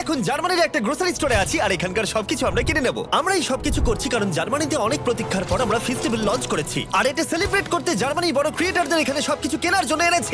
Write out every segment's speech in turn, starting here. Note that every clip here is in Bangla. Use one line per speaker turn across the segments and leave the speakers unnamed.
এখন জার্মানির একটা গ্রোসারি স্টোরে আছি আর এখানকার সবকিছু আমরা কিনে নেব। আমরা এই সবকিছু করছি কারণ জার্মানিতে অনেক প্রতীক্ষার পর আমরা ফেস্টিভ্যাল লঞ্চ করেছি, আর এটা সেলিব্রেট করতে জার্মানির বড় ক্রিয়েটরদের এখানে সবকিছু কেনার জন্য এনেছি।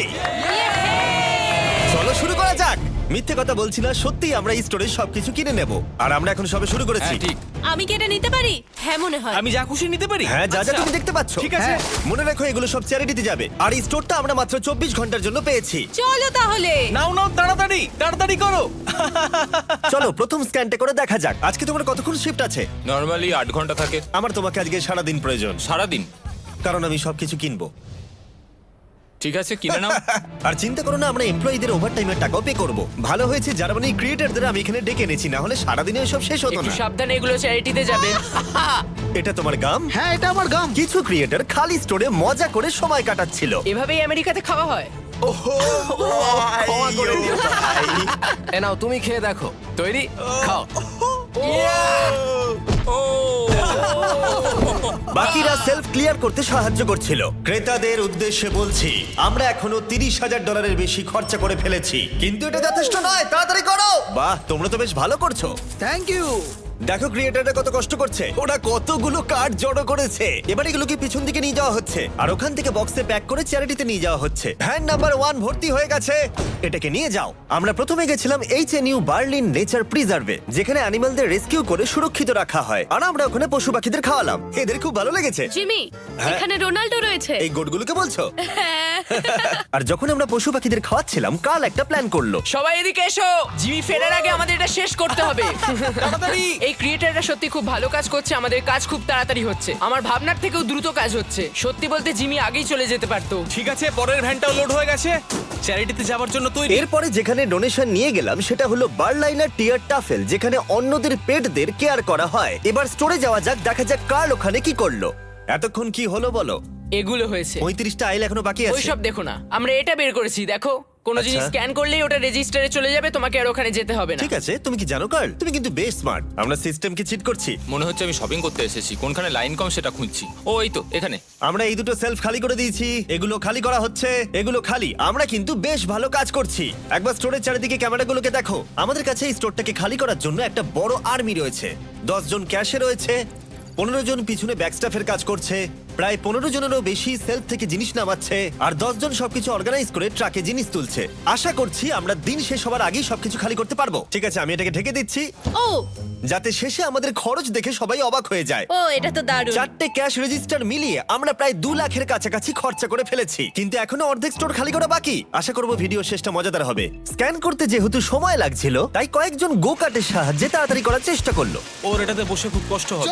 চলো শুরু করা যাক। মিথ্যে কথা বলছি না, সত্যি আমরা এই স্টোরে সবকিছু কিনে নেব, আর আমরা এখন সবে শুরু করেছি।
হ্যাঁ, ঠিক।
আমি কি এটা নিতে পারি? হ্যাঁ মনে হয়।
আমি যা খুশি নিতে পারি।
হ্যাঁ, যা যা
আচ্ছা।
তুমি দেখতে পাচ্ছ।
ঠিক আছে।
হ্যাঁ, মনে রাখো এগুলো সব চ্যারিটিতে যাবে, আর এই স্টোরটা আমরা মাত্র 24 ঘন্টার জন্য পেয়েছি।
চলো তাহলে।
নাও নাও, তাড়াতাড়ি তাড়াতাড়ি করো।
চলো প্রথম স্ক্যানটা করে দেখা যাক। আজকে তোমার কতক্ষণ শিফট আছে?
নর্মালি 8 ঘন্টা থাকে।
আমার তোমাকে আজকে সারাদিন প্রয়োজন,
সারাদিন?
কারণ আমি সবকিছু কিনবো।
ঠিক আছে, কিনে নাও।
আর চিন্তা করো না, আমরা এমপ্লয়ীদের ওভারটাইমের টাকাও পে করব। ভালো হয়েছে জার্মানি ক্রিয়েটরদের আমি এখানে ডেকে এনেছি, না হলে সারাদিনে সব শেষ হতো
একটু
না।
সাবধানে, এগুলো চ্যারিটিতে যাবে।
এটা তোমার গাম?
হ্যাঁ, এটা আমার গাম।
কিছু ক্রিয়েটর খালি স্টোরে মজা করে সময় কাটাচ্ছিল।
এভাবেই আমেরিকাতে খাওয়া হয়।
ক্ষমা করে দিও ভাই।
এ নাও, তুমি খেয়ে দেখো। তৈরি? খাও।
বাকিরা সেলফ ক্লিয়ার করতে সাহায্য করছিল। ক্রেতাদের উদ্দেশ্যে বলছি, আমরা এখনো $30,000 বেশি খরচা করে ফেলেছি, কিন্তু এটা যথেষ্ট নয়। তাড়াতাড়ি করো। বাহ, তোমরা তো বেশ ভালো করছো।
Thank you.
দেখো ক্রিয়েটাররা কত কষ্ট করছে, ওরা কতগুলো কার্ড জড়ো করেছে। এবার এগুলোকে পিছন দিকে নিয়ে যাওয়া হচ্ছে, আর ওখান থেকে বক্সে প্যাক করে চ্যারিটিতে নিয়ে যাওয়া হচ্ছে। ভ্যান নাম্বার 1 ভর্তি হয়ে গেছে, এটাকে নিয়ে যাও। আমরা প্রথমে গেছিলাম HNU বার্লিন নেচার প্রিজার্ভে, যেখানে অ্যানিমালদের রেস্কিউ করে সুরক্ষিত রাখা হয়, আর আমরা ওখানে পশু পাখিদের খাওয়ালাম। এদের খুব ভালো লেগেছে।
জিমি,
হ্যাঁ।
এখানে রোনাল্ডো রয়েছে।
এই গোটগুলোকে বলছো?
হ্যাঁ।
আর যখন আমরা পশু পাখিদের খাওয়াচ্ছিলাম, কাল একটা প্ল্যান করলো।
সবাই এদিকে এসো, জিমি ফেরার আগে আমাদের এটা শেষ করতে হবে।
তাড়াতাড়ি।
এই ক্রিয়েটাররা সত্যি খুব ভালো কাজ করছে, আমাদের কাজ খুব তাড়াতাড়ি হচ্ছে, আমার ভাবনার থেকেও দ্রুত কাজ হচ্ছে। সত্যি বলতে জিমি আগেই চলে যেতে পারতো।
ঠিক আছে, পরের ভ্যানটাও লোড হয়ে গেছে। চ্যারিটিতে যাওয়ার জন্য তৈরি।
এরপরে যেখানে ডোনেশন নিয়ে গেলাম সেটা হলো বার্লাইনার টিয়ার টাফেল, যেখানে অন্যদের পেটদের কেয়ার করা হয়। এবার স্টোরে যাওয়া যাক, দেখা যাক কার্ল ওখানে কি করলো। এতক্ষণ কি হলো বলো?
এগুলো হয়েছে।
35টা আইল এখনো বাকি আছে।
ওইসব দেখো না, আমরা এটা বের করেছি। দেখো, কোনো জিনিস
আচ্ছা।
স্ক্যান করলেই ওটা রেজিস্টারে চলে যাবে, তোমাকে আর ওখানে যেতে হবে না।
ঠিক আছে, তুমি কি জানো কার্ল, তুমি কিন্তু বেশ স্মার্ট। আমরা সিস্টেমকে চিট করছি।
মনে হচ্ছে আমি শপিং করতে এসেছি, কোনখানে লাইন কম সেটা খুঁজছি। ও এই তো এখানে।
আমরা এই দুটো সেলফ খালি করে দিয়েছি, এগুলো খালি করা হচ্ছে, এগুলো খালি। আমরা কিন্তু বেশ ভালো কাজ করছি। একবার স্টোরের চারিদিকে ক্যামেরাগুলোকে দেখো। আমাদের কাছে এই স্টোরটাকে খালি করার জন্য একটা বড় আর্মি রয়েছে। 10 জন ক্যাশে রয়েছে, 15 জন পিছনে ব্যাকস্টাফের কাজ করছে, প্রায় 15 জনেরও বেশি সেলফ থেকে জিনিস নামাচ্ছে, আর 10 জন সবকিছু অর্গানাইজ করে ট্রাকে জিনিস তুলছে। আশা করছি আমরা দিন শেষ হবার আগেই সবকিছু খালি করতে পারবো। ঠিক আছে, আমি এটাকে ঢেকে দিচ্ছি,
ও
যাতে শেষে আমাদের খরচ দেখে সবাই অবাক হয়ে যায়।
ও, এটা তো দারুণ।
4টে ক্যাশ রেজিস্টার মিলিয়ে আমরা প্রায় 2 লাখের কাছাকাছি খরচা করে ফেলেছি, কিন্তু এখনো অর্ধেক স্টোর খালি করা বাকি। আশা করব ভিডিও শেষটা মজাদার হবে। স্ক্যান করতে যেহেতু সময় লাগছিল, তাই কয়েকজন গো কার্টের সাহায্যে তাড়াতাড়ি করার চেষ্টা করলো।
ওর এটাতে বসে খুব কষ্ট হবে।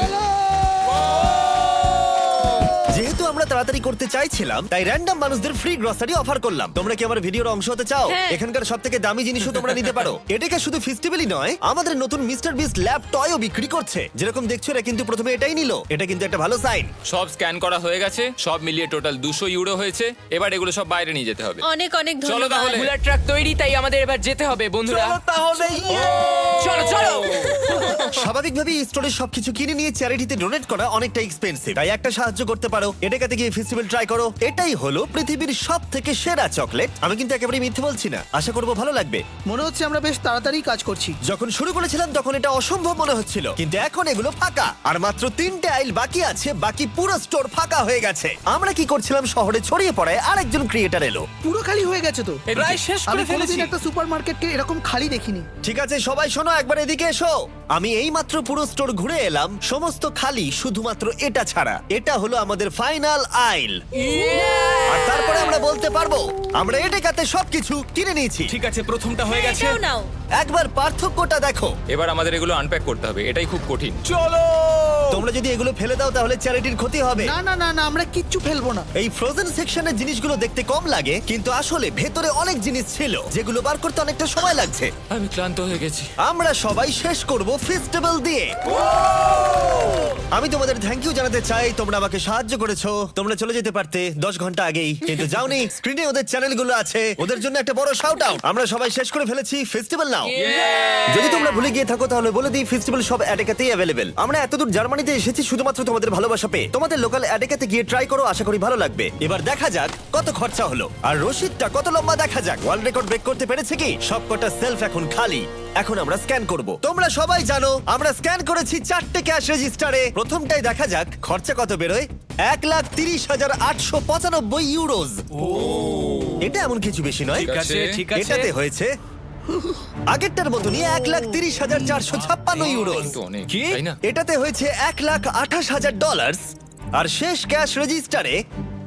যেহেতু আমরা তাড়াতাড়ি করতে চাইছিলাম, তাই র্যান্ডম মানুষদের ফ্রি গ্রসারি অফার করলাম। তোমরা কি আমার ভিডিওর অংশ হতে চাও?
হ্যাঁ।
এখানকার সবথেকে দামি জিনিসও তোমরা নিতে পারো। এটাকে শুধু ফেস্টিভ্যালই নয়, আমাদের নতুন মিস্টার বিস্ট ল্যাব টয়ও বিক্রি করছে। যেরকম দেখছো, এরা কিন্তু প্রথমে এটাই নিল। এটা কিন্তু একটা ভালো সাইন।
সব স্ক্যান করা হয়ে গেছে, সব মিলিয়ে টোটাল 200 ইউরো হয়েছে। এবার এগুলো সব বাইরে নিয়ে যেতে হবে।
অনেক অনেক
চলো
ধন্যবাদ।
তাহলে।
বুলার ট্রাক তৈরি, তাই আমাদের এবার যেতে হবে বন্ধুরা।
তাহলে
চলো চলো।
স্বাভাবিকভাবেই স্টোরের সবকিছু কিনে নিয়ে চ্যারিটিতে ডোনেট করা অনেকটা এক্সপেন্সিভ, তাই একটা সাহায্য করতে পারো। এটাকাতে গিয়ে ফেস্টিভ্যাল ট্রাই করো। এটাই হলো পৃথিবীর সবথেকে সেরা চকলেট। আমি কিন্তু একেবারে মিথ্যে বলছি না, আশা করবো ভালো লাগবে।
মনে হচ্ছে আমরা বেশ তাড়াতাড়ি কাজ করছি।
যখন শুরু করেছিলাম তখন এটা অসম্ভব মনে হচ্ছিল, কিন্তু এখন এগুলো ফাঁকা, আর মাত্র 3টে আইল বাকি আছে। বাকি পুরো স্টোর ফাঁকা হয়ে গেছে। আমরা কি করছিলাম, শহরে ছড়িয়ে পড়ায় আরেকজন ক্রিয়েটার এলো।
পুরো খালি হয়ে গেছে তো।
প্রায় শেষ
আমি
করে ফেলেছি।
কোনোদিন একটা সুপারমার্কেটকে এরকম খালি দেখিনি।
ঠিক আছে সবাই শোনো, একবার এদিকে এসো। আমি এই মাত্র পুরো স্টোর ঘুরে এলাম, সমস্ত খালি, শুধুমাত্র এটা ছাড়া। এটা হলো আমাদের ফাইনাল আইল, আর তারপরে আমরা বলতে পারবো আমরা এটাকাতে সবকিছু কিনে নিয়েছি।
ঠিক আছে, প্রথমটা হয়ে গেছে।
এটাও নাও।
একবার পার্থক্যটা দেখো।
এবার আমাদের এগুলো আনপ্যাক করতে হবে, এটাই খুব কঠিন।
চলো।
তোমরা যদি এগুলো ফেলে দাও তাহলে চ্যারিটির ক্ষতি হবে।
না না না না, আমরা কিচ্ছু ফেলবো না।
এই ফ্রোজেন সেকশনের জিনিসগুলো দেখতে কম লাগে, কিন্তু আসলে ভেতরে অনেক জিনিস ছিল যেগুলো বার করতে অনেকটা সময় লাগছে।
আমি ক্লান্ত হয়ে গেছি।
আমরা সবাই শেষ করব ফেস্টিভ্যাল দিয়ে। আমি তোমাদের থ্যাংক ইউ জানাতে চাই, তোমরা আমাকে সাহায্য করেছো। তোমরা চলে যেতে পারতে 10 ঘন্টা আগেই, কিন্তু যাওনি। স্ক্রিনে ওদের চ্যানেলগুলো আছে, ওদের জন্য একটা বড় শাউট আউট। আমরা সবাই শেষ করে ফেলেছি, ফেস্টিভ্যাল নাও। যদি তোমরা ভুলে গিয়ে থাকো তাহলে বলে দিই, ফেস্টিভ্যাল সব এটাকাতেই অ্যাভেলেবেল। আমরা এতদূর জার্মানি জার্মানিতে এসেছি শুধুমাত্র তোমাদের ভালোবাসা পেয়ে। তোমাদের লোকাল অ্যাডেকাতে গিয়ে ট্রাই করো, আশা করি ভালো লাগবে। এবার দেখা যাক কত খরচা হলো আর রসিদটা কত লম্বা। দেখা যাক ওয়ার্ল্ড রেকর্ড ব্রেক করতে পেরেছে কি। সবকটা সেলফ এখন খালি। এখন আমরা স্ক্যান করব। তোমরা সবাই জানো আমরা স্ক্যান করেছি 4টে ক্যাশ রেজিস্টারে। প্রথমটাই দেখা যাক খরচা কত বেরোয়। 1,30,895 ইউরোজ। এটা এমন কিছু বেশি নয়।
ঠিক আছে,
ঠিক আছে।
এটাতে হয়েছে আগেরটার মতনই 1,30,456 ইউরোজ।
কিন্তু অনেক,
কি?
তাই না?
এটাতে হয়েছে $1,28,000 আর শেষ ক্যাশ রেজিস্টারে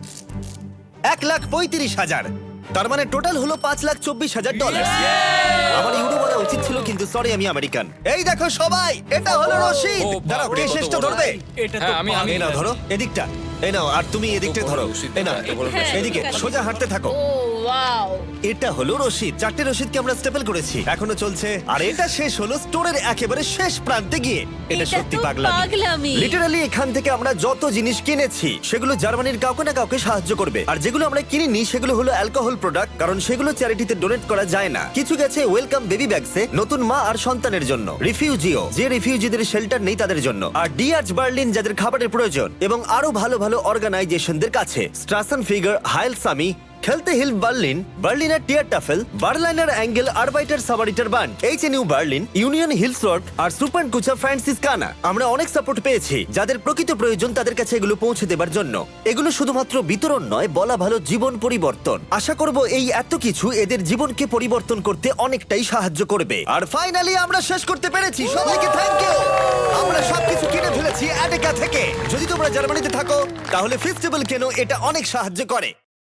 1,35,000। তার মানে টোটাল হলো $5,24,000। আমার ইউরো বলা উচিত ছিল, কিন্তু সরি আমি আমেরিকান। এই দেখো সবাই, এটা হলো রশিদ।
ও,
দাঁড়াও,
বাপরে,
কে
কত
শেষটা
বড়।
ধরবে?
এটা তো
হ্যাঁ, আমি
এই নাও ধরো এদিকটা, এই নাও, আর তুমি এদিকটা
বড়
ধরো।
রশিদ,
এই নাও
এত বড়
হ্যাঁ,
এদিকে
ঠিক আছে।
সোজা হাঁটতে থাকো।
ও ওয়াও।
এটা হলো রশিদ। 4টে রশিদকে আমরা স্টেপল করেছি, এখনো চলছে। আর এটা শেষ হলো স্টোরের একেবারে শেষ প্রান্তে গিয়ে। এটা
এটা
সত্যি
তো
পাগলামি।
পাগলামি।
লিটারালি এখান থেকে আমরা যত জিনিস কিনেছি সেগুলো জার্মানির কাউকে না কাউকে সাহায্য করবে। আর যেগুলো আমরা কিনিনি সেগুলো হলো অ্যালকোহল প্রোডাক্ট, কারণ সেগুলো চ্যারিটিতে ডোনেট করা যায় না। কিছু গেছে ওয়েলকাম বেবি ব্যাগসে, নতুন মা আর সন্তানের জন্য। রিফিউজিও, যে রিফিউজিদের শেল্টার নেই তাদের জন্য। আর ডিআরচ বার্লিন, যাদের খাবারের প্রয়োজন। এবং আরো ভালো ভালো অর্গানাইজেশনদের কাছে। স্ট্রাসন ফিগার, হাইল সামি, খেলতে হিল বার্লিন, বার্লিনার টিয়ার টাফেল, বার্লাইনার অ্যাঙ্গেল, আরবাইটার সাবারিটার বান্ড, এইচএনইউ বার্লিন, ইউনিয়ন হিলসওয়ার্ক আর সুপার কুচা ফ্রান্সিসকানা। আমরা অনেক সাপোর্ট পেয়েছি। যাদের প্রকৃত প্রয়োজন তাদের কাছে এগুলো পৌঁছে দেবার জন্য। এগুলো শুধুমাত্র বিতরণ নয়, বলা ভালো জীবন পরিবর্তন। আশা করব এই এত কিছু এদের জীবনকে পরিবর্তন করতে অনেকটাই সাহায্য করবে। আর ফাইনালি আমরা শেষ করতে পেরেছি। সবাইকে থ্যাংক ইউ। আমরা সবকিছু কিনে ফেলেছি অ্যাডেকা থেকে। যদি তোমরা জার্মানিতে থাকো তাহলে ফেস্টিভ্যাল কেনো, এটা অনেক সাহায্য করে।